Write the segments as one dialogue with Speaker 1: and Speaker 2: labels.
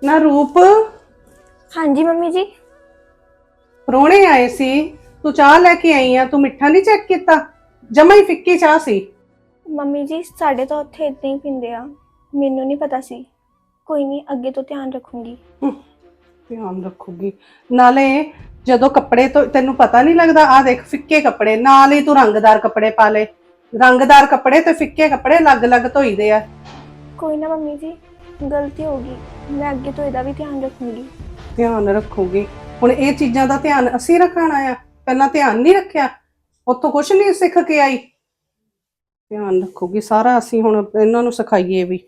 Speaker 1: ना रूप
Speaker 2: हाँ जी मम्मी जी।
Speaker 1: प्रोने आए सी। तू चाह लेके आई आ, तू मिठा नहीं चेक किया? जमा ही फिक्की चाह सी।
Speaker 2: मम्मी जी साढ़े तो उत्थे इतना ही पींदे आ, मैनू नहीं पता सी। कोई नहीं, अगे तो ध्यान रखूंगी।
Speaker 1: ध्यान रखूगी नाले जदों कपड़े तो तेनू पता नहीं लगता। आ देख फिक्के कपड़े नाल ही तू रंगदार कपड़े पा ले। रंगदार कपड़े ते फिक्के कपड़े अलग अलग धोई दे आ।
Speaker 2: कोई ना मम्मी जी, गलती होगी, मैं अगे तो ਇਹਦਾ भी ध्यान रखूंगी।
Speaker 1: ध्यान रखूगी हुण ये चीज़ां दा ध्यान असीं रखना आ। पहला ध्यान नहीं रखिया, उत्थों कुछ नहीं सिख के आई। ध्यान रखूगी सारा, असीं हुण इन्हां नूं सिखाईए भी।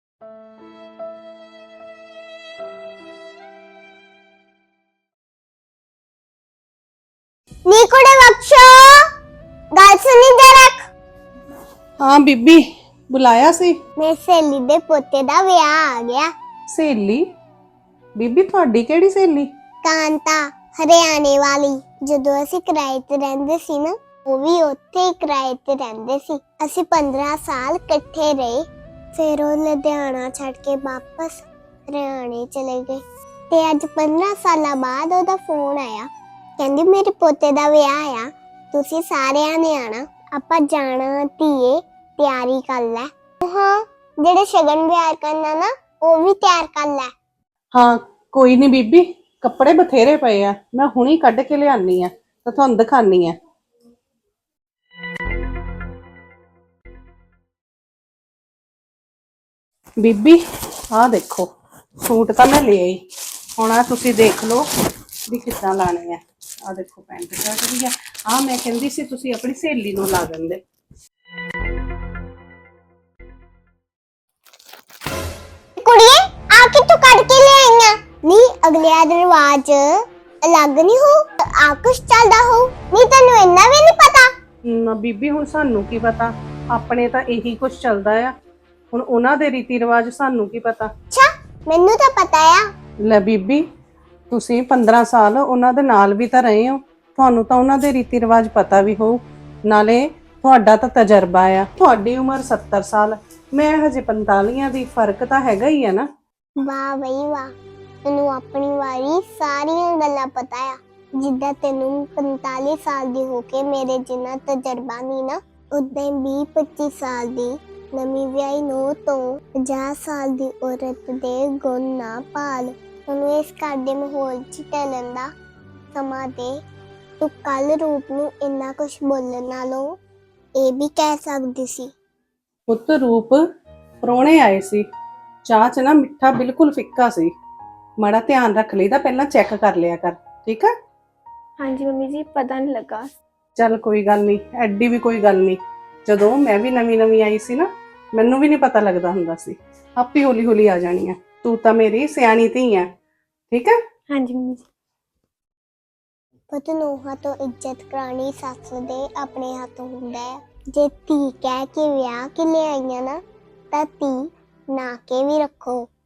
Speaker 3: नी कुड़े बख्शो, गल सुनी जरा।
Speaker 1: हाँ बीबी बुलाया सी।
Speaker 3: मेरी सहेली दे पोते दा विआह आ गया।
Speaker 1: सहेली? बीबी तुहाडी किहड़ी सहेली?
Speaker 3: कांता, हरियाणे वाली। जदों असीं किराए ते रहिंदे सी ना, ਉਹ ਵੀ ਉੱਥੇ ਹੀ ਕਿਰਾਏ ਤੇ ਰਹਿੰਦੇ ਸੀ। ਅਸੀਂ 15 ਸਾਲ ਇਕੱਠੇ ਰਹੇ। ਫਿਰ ਉਹ ਲੁਧਿਆਣਾ ਛੱਡ ਕੇ ਵਾਪਸ ਹਰਿਆਣੇ ਚਲੇ ਗਏ ਤੇ ਅੱਜ 15 ਸਾਲਾਂ ਬਾਅਦ ਉਹਦਾ ਫੋਨ ਆਇਆ। ਕਹਿੰਦੀ ਮੇਰੇ ਪੋਤੇ ਦਾ ਵਿਆਹ ਆ, ਤੁਸੀਂ ਸਾਰਿਆਂ ਨੇ ਆਣਾ, ਆਪਾਂ ਜਾਣਾ ਧੀਏ, ਤਿਆਰੀ ਕਰ ਲੈ। ਹਾਂ, ਜਿਹੜੇ ਸ਼ਗਨ ਵਿਆਹ ਕਰਨਾ ਨਾ, ਉਹ ਵੀ ਤਿਆਰ ਕਰ ਲੈ।
Speaker 1: हाँ कोई नहीं बीबी, कपड़े बथेरे पे आ, मैं हुणी कढ़ के लियानी आ ते तुहानू दिखानी आ। बीबी आ देखो सूट तो मैं ले आई, हुण आ तुसीं देख लो भी किद्दां लाने आ। आ देखो पैंट शर्ट भी आ। आ मैं कहंदी सी तुसीं अपनी सहेली नूं ला दिंदे।
Speaker 3: ਕੁੜੀਏ ਆ ਕੇ ਤੂੰ ਕੱਢ ਕੇ ਲੈ ਆਈਆਂ। ਨਹੀਂ ਅਗਲਿਆਂ ਦਾ ਰਿਵਾਜ ਅਲੱਗ ਨਹੀਂ ਹੋ, ਆ ਕੁਛ ਚੱਲਦਾ ਹੋ। ਨਹੀਂ ਤੈਨੂੰ ਇੰਨਾ ਵੀ ਨਹੀਂ ਪਤਾ।
Speaker 1: ਨਾ ਬੀਬੀ ਹੁਣ ਸਾਨੂੰ ਕੀ ਪਤਾ, ਆਪਣੇ ਤਾਂ ਇਹੀ ਕੁਝ ਚੱਲਦਾ ਆ। ਹੁਣ ਉਹਨਾਂ ਦੇ ਰੀਤੀ ਰਿਵਾਜ ਸਾਨੂੰ ਕੀ ਪਤਾ।
Speaker 3: ਅੱਛਾ ਮੈਨੂੰ ਤਾਂ ਪਤਾ ਆ।
Speaker 1: ਲੈ ਬੀਬੀ ਤੁਸੀਂ 15 ਸਾਲ ਉਹਨਾਂ ਦੇ ਨਾਲ ਵੀ ਤਾਂ ਰਹੇ ਹੋ, ਤੁਹਾਨੂੰ ਤਾਂ ਉਹਨਾਂ ਦੇ ਰੀਤੀ ਰਿਵਾਜ ਪਤਾ ਵੀ ਹੋਊ। ਨਾਲੇ ਤੁਹਾਡਾ ਤਾਂ ਤਜਰਬਾ ਆ, ਤੁਹਾਡੀ ਉਮਰ 70 ਸਾਲ, ਮੈਂ ਹਜੇ 45 ਦੀ, ਫਰਕ ਤਾਂ ਹੈਗਾ ਹੀ ਆ ਨਾ।
Speaker 3: ਵਾਹ ਬਈ ਵਾਹ, ਤੈਨੂੰ ਆਪਣੀ ਵਾਰੀ ਸਾਰੀਆਂ ਗੱਲਾਂ ਪਤਾ ਆ। ਜਿੱਦਾਂ ਤੈਨੂੰ 45 ਸਾਲ ਦੀ ਹੋ ਕੇ ਮੇਰੇ ਜਿੰਨਾ ਤਜਰਬਾ ਨਹੀਂ ਨਾ, ਉਦਾਂ ਹੀ 20-25 ਸਾਲ ਦੀ ਨਵੀਂ ਵਿਆਹੀ ਨੂੰ ਤੋਂ 50 ਸਾਲ ਦੀ ਔਰਤ ਦੇ ਗੁਣ ਨਾ ਪਾਲ। ਤੈਨੂੰ ਇਸ ਘਰ ਦੇ ਮਾਹੌਲ 'ਚ ਢਲਣ ਦਾ ਸਮਾਂ ਦੇ। ਤੂੰ ਕੱਲ ਰੂਪ ਨੂੰ ਇੰਨਾ ਕੁਛ ਬੋਲਣ ਨਾਲੋਂ ਇਹ ਵੀ ਕਹਿ ਸਕਦੀ ਸੀ।
Speaker 1: ਪੁੱਤ ਰੂਪ ਪ੍ਰਾਹੁਣੇ ਆਏ ਸੀ, ਚਾਹ ਚ ਨਾ ਮਿੱਠਾ ਬਿਲਕੁਲ ਫਿੱਕਾ ਸੀ, ਮਾੜਾ ਧਿਆਨ ਰੱਖ ਲਈਦਾ, ਪਹਿਲਾਂ ਚੈੱਕ ਕਰ ਲਿਆ ਕਰ, ਠੀਕ ਆ?
Speaker 2: हाँ जी मम्मी जी, पता नहीं लगा।
Speaker 1: ਚੱਲ ਕੋਈ ਗੱਲ ਨਹੀਂ, ਐਡੀ ਵੀ ਕੋਈ ਗੱਲ ਨਹੀਂ। ਜਦੋਂ ਮੈਂ ਵੀ ਨਵੀਂ ਆਈ ਸੀ ਨਾ, ਮੈਨੂੰ ਵੀ ਨਹੀਂ ਪਤਾ ਲੱਗਦਾ ਹੁੰਦਾ ਸੀ, ਆਪੇ ਹੌਲੀ ਹੌਲੀ ਆ ਜਾਣੀ ਆ। ਤੂੰ ਤਾਂ ਮੇਰੀ ਸਿਆਣੀ ਧੀ ਆ, ਠੀਕ ਆ?
Speaker 2: हाँ जी मम्मी जी।
Speaker 3: ਪੁੱਤ ਨੂੰਹਾਂ ਤੋਂ ਇੱਜ਼ਤ ਕਰਾਉਣੀ ਸੱਸ ਦੇ ਆਪਣੇ ਹੱਥ ਹੁੰਦਾ ਹੈ। ਜੇ ਧੀ ਕਹਿ ਕੇ ਵਿਆਹ ਕੇ ਲਿਆਈਆਂ ਨਾ, ਤਾਂ ਧੀ ਨਾ ਕੇ ਵੀ ਰੱਖੋ।